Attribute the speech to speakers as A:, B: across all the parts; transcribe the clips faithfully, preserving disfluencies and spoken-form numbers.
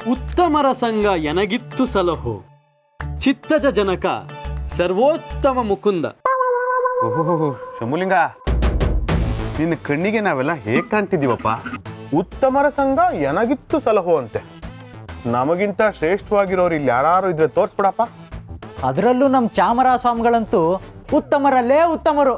A: ಉತ್ತಮರ ಸಂಘ ಎನಗಿತ್ತು ಸಲಹೋ ಚಿತ್ತಜ ಜನಕ ಸರ್ವೋತ್ತಮ ಮುಕುಂದ.
B: ಓಹೋ ಶಂಭುಲಿಂಗ, ನಿನ್ನ ಕಣ್ಣಿಗೆ ನಾವೆಲ್ಲ ಹೇಗೆ ಕಾಣ್ತಿದ್ದೀವಪ್ಪ? ಉತ್ತಮರ ಸಂಘ ಎನಗಿತ್ತು ಸಲಹೋ ಅಂತೆ. ನಮಗಿಂತ ಶ್ರೇಷ್ಠವಾಗಿರೋರು ಇಲ್ಲಿ ಯಾರು ಇದ್ರೆ ತೋರ್ಸ್ಬಿಡಪ್ಪ.
C: ಅದರಲ್ಲೂ ನಮ್ಮ ಚಾಮರ ಸ್ವಾಮಿಗಳಂತೂ ಉತ್ತಮರಲ್ಲೇ ಉತ್ತಮರು.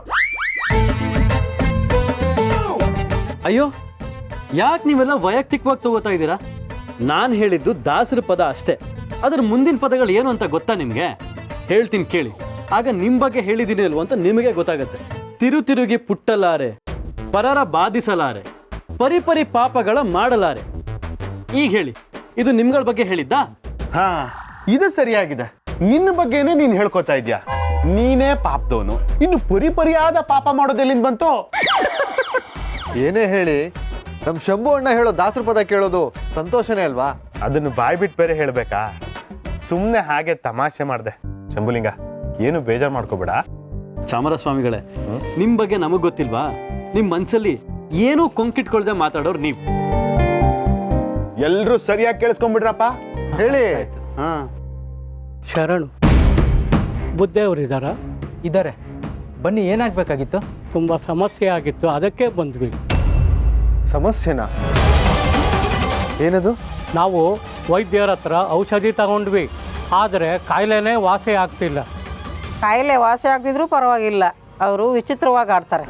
A: ಅಯ್ಯೋ, ಯಾಕೆ ನೀವೆಲ್ಲ ವೈಯಕ್ತಿಕವಾಗಿ ತಗೋತಾ ಇದ್ದೀರಾ? ನಾನು ಹೇಳಿದ್ದು ದಾಸರ ಪದ ಅಷ್ಟೇ. ಅದರ ಮುಂದಿನ ಪದಗಳು ಏನು ಅಂತ ಗೊತ್ತಾ ನಿಮಗೆ? ಹೇಳ್ತೀನಿ ಕೇಳಿ, ಆಗ ನಿಮ್ಮ ಬಗ್ಗೆ ಹೇಳಿದ್ದೀನಿ ಅಲ್ವ ಅಂತ ನಿಮಗೆ ಗೊತ್ತಾಗತ್ತೆ. ತಿರು ತಿರುಗಿ ಪುಟ್ಟಲಾರೆ, ಪರರ ಬಾಧಿಸಲಾರೆ, ಪರಿಪರಿ ಪಾಪಗಳ ಮಾಡಲಾರೆ. ಈಗ ಹೇಳಿ, ಇದು ನಿಮ್ಗಳ ಬಗ್ಗೆ ಹೇಳಿದ್ದಾ?
B: ಹಾ, ಇದು ಸರಿಯಾಗಿದೆ. ನಿನ್ನ ಬಗ್ಗೆನೇ ನೀನ್ ಹೇಳ್ಕೊತಾ ಇದ್ಯಾ. ನೀನೇ ಪಾಪದವನು, ಇನ್ನು ಪರಿಪರಿಯಾದ ಪಾಪ ಮಾಡೋದೆಲ್ಲಿಂದ ಬಂತು?
D: ಏನೇ ಹೇಳಿ ನಮ್ ಶಂಭು ಅಣ್ಣ ಹೇಳೋ ದಾಸರ ಪದ ಕೇಳೋದು ಸಂತೋಷನೇ ಅಲ್ವಾ?
B: ಅದನ್ನು ಬಾಯ್ ಬಿಟ್ಟು ಬೇರೆ ಹೇಳ್ಬೇಕಾ? ಸುಮ್ಮನೆ ಹಾಗೆ ತಮಾಷೆ ಮಾಡ್ದೆ. ಶಂಭುಲಿಂಗ, ಏನು ಬೇಜಾರು ಮಾಡ್ಕೋಬೇಡ.
A: ಚಾಮರಸ್ವಾಮಿಗಳೇ, ನಿಮ್ ಬಗ್ಗೆ ನಮಗ್ ಗೊತ್ತಿಲ್ವಾ? ನಿಮ್ ಮನ್ಸಲ್ಲಿ ಏನೂ ಕೊಂಕಿಟ್ಕೊಳ್ದೆ ಮಾತಾಡೋರು ನೀವು.
B: ಎಲ್ರೂ ಸರಿಯಾಗಿ ಕೇಳಿಸ್ಕೊಂಡ್ಬಿಡ್ರಪ್ಪ. ಹೇಳಿ. ಹಾ,
E: ಶರಣು ಬುದ್ಧೇವರಿದ್ದಾರಾ?
C: ಇದ್ದಾರೆ, ಬನ್ನಿ. ಏನಾಗಬೇಕಾಗಿತ್ತು?
E: ತುಂಬ ಸಮಸ್ಯೆ ಆಗಿತ್ತು, ಅದಕ್ಕೆ ಬಂದ್ವಿ.
D: ಸಮಸ್ಯೆನಾ? ಏನದು?
E: ನಾವು ವೈದ್ಯರ ಹತ್ರ ಔಷಧಿ ತಗೊಂಡ್ವಿ, ಆದರೆ ಕಾಯಿಲೆನೇ ವಾಸಿ ಆಗ್ತಿಲ್ಲ.
F: ಕಾಯಿಲೆ ವಾಸಿ ಆಗ್ತಿದ್ರು ಪರವಾಗಿಲ್ಲ, ಅವರು ವಿಚಿತ್ರವಾಗಿ ಆಡ್ತಾರೆ.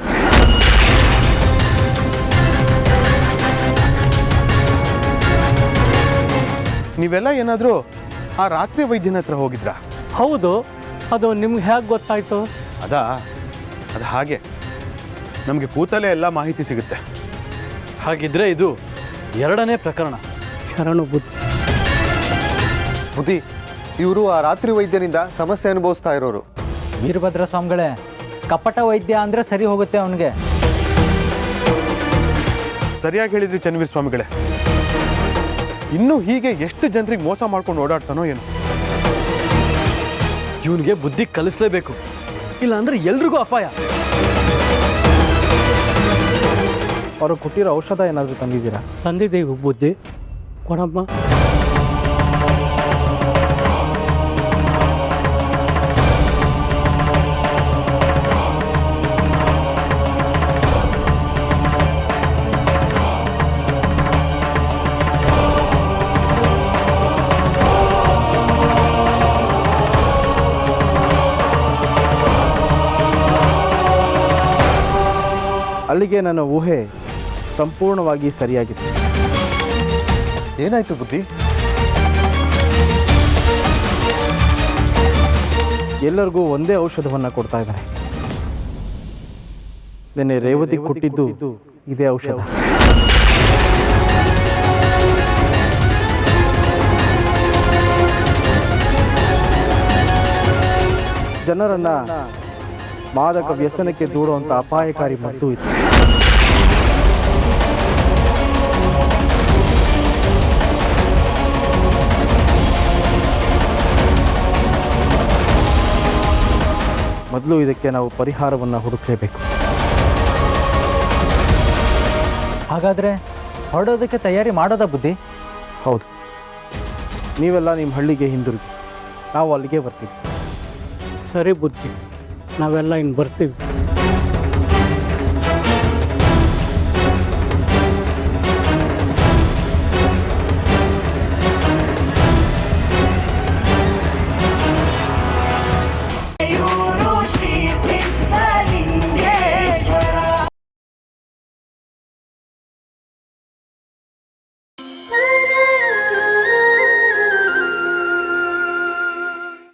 B: ನೀವೆಲ್ಲ ಏನಾದರೂ ಆ ರಾತ್ರಿ ವೈದ್ಯನ ಹತ್ರ ಹೋಗಿದ್ರಾ?
E: ಹೌದು, ಅದು ನಿಮ್ಗೆ ಹೇಗೆ ಗೊತ್ತಾಯ್ತು?
B: ಅದಾ ಅದು ಹಾಗೆ ನಮಗೆ ಕೂತಲೇ ಎಲ್ಲ ಮಾಹಿತಿ ಸಿಗುತ್ತೆ.
A: ಹಾಗಿದ್ರೆ ಇದು ಎರಡನೇ ಪ್ರಕರಣ.
E: ಶರಣು ಬುದ್ಧಿ.
D: ಬುದ್ಧಿ, ಇವರು ಆ ರಾತ್ರಿ ವೈದ್ಯರಿಂದ ಸಮಸ್ಯೆ ಅನುಭವಿಸ್ತಾ ಇರೋರು.
C: ವೀರಭದ್ರ ಸ್ವಾಮಿಗಳೇ, ಕಪಟ ವೈದ್ಯ ಅಂದರೆ ಸರಿ ಹೋಗುತ್ತೆ ಅವನಿಗೆ.
B: ಸರಿಯಾಗಿ ಹೇಳಿದ್ರಿ ಚನ್ನವೀರ ಸ್ವಾಮಿಗಳೇ. ಇನ್ನು ಹೀಗೆ ಎಷ್ಟು ಜನರಿಗೆ ಮೋಸ ಮಾಡ್ಕೊಂಡು ಓಡಾಡ್ತಾನೋ ಏನು?
A: ಇವನಿಗೆ ಬುದ್ಧಿ ಕಲಿಸ್ಲೇಬೇಕು, ಇಲ್ಲ ಅಂದ್ರೆ ಎಲ್ರಿಗೂ ಅಪಾಯ.
G: ಅವರು ಕೊಟ್ಟಿರೋ ಔಷಧ ಏನಾದರೂ ತಂದಿದ್ದೀರಾ?
E: ತಂದಿದ್ದೀವಿ ಬುದ್ಧಿ, ಕೊಡಮ್ಮ.
G: ಅಲ್ಲಿಗೆ ನನ್ನ ಊಹೆ ಸಂಪೂರ್ಣವಾಗಿ ಸರಿಯಾಗಿದೆ.
D: ಏನಾಯ್ತು ಬುದ್ಧಿ?
G: ಎಲ್ಲರಿಗೂ ಒಂದೇ ಔಷಧವನ್ನು ಕೊಡ್ತಾ ಇದ್ದಾರೆ. ನಿನ್ನೆ ರೇವತಿ ಕೊಟ್ಟಿದ್ದು ಇದೇ ಔಷಧ. ಜನರನ್ನ ಮಾದಕ ವ್ಯಸನಕ್ಕೆ ದೂಡುವಂಥ ಅಪಾಯಕಾರಿ ಮದ್ದು ಇದು. ಮೊದಲು ಇದಕ್ಕೆ ನಾವು ಪರಿಹಾರವನ್ನು ಹುಡುಕಲೇಬೇಕು.
C: ಹಾಗಾದರೆ ಹೊರಡೋದಕ್ಕೆ ತಯಾರಿ ಮಾಡೋದಾ ಬುದ್ಧಿ?
G: ಹೌದು, ನೀವೆಲ್ಲ ನಿಮ್ಮ ಹಳ್ಳಿಗೆ ಹಿಂದಿರುಗಿ, ನಾವು ಅಲ್ಲಿಗೆ ಬರ್ತೀವಿ.
E: ಸರಿ ಬುದ್ಧಿ, ನಾವೆಲ್ಲ ಇನ್ನು ಬರ್ತೀವಿ.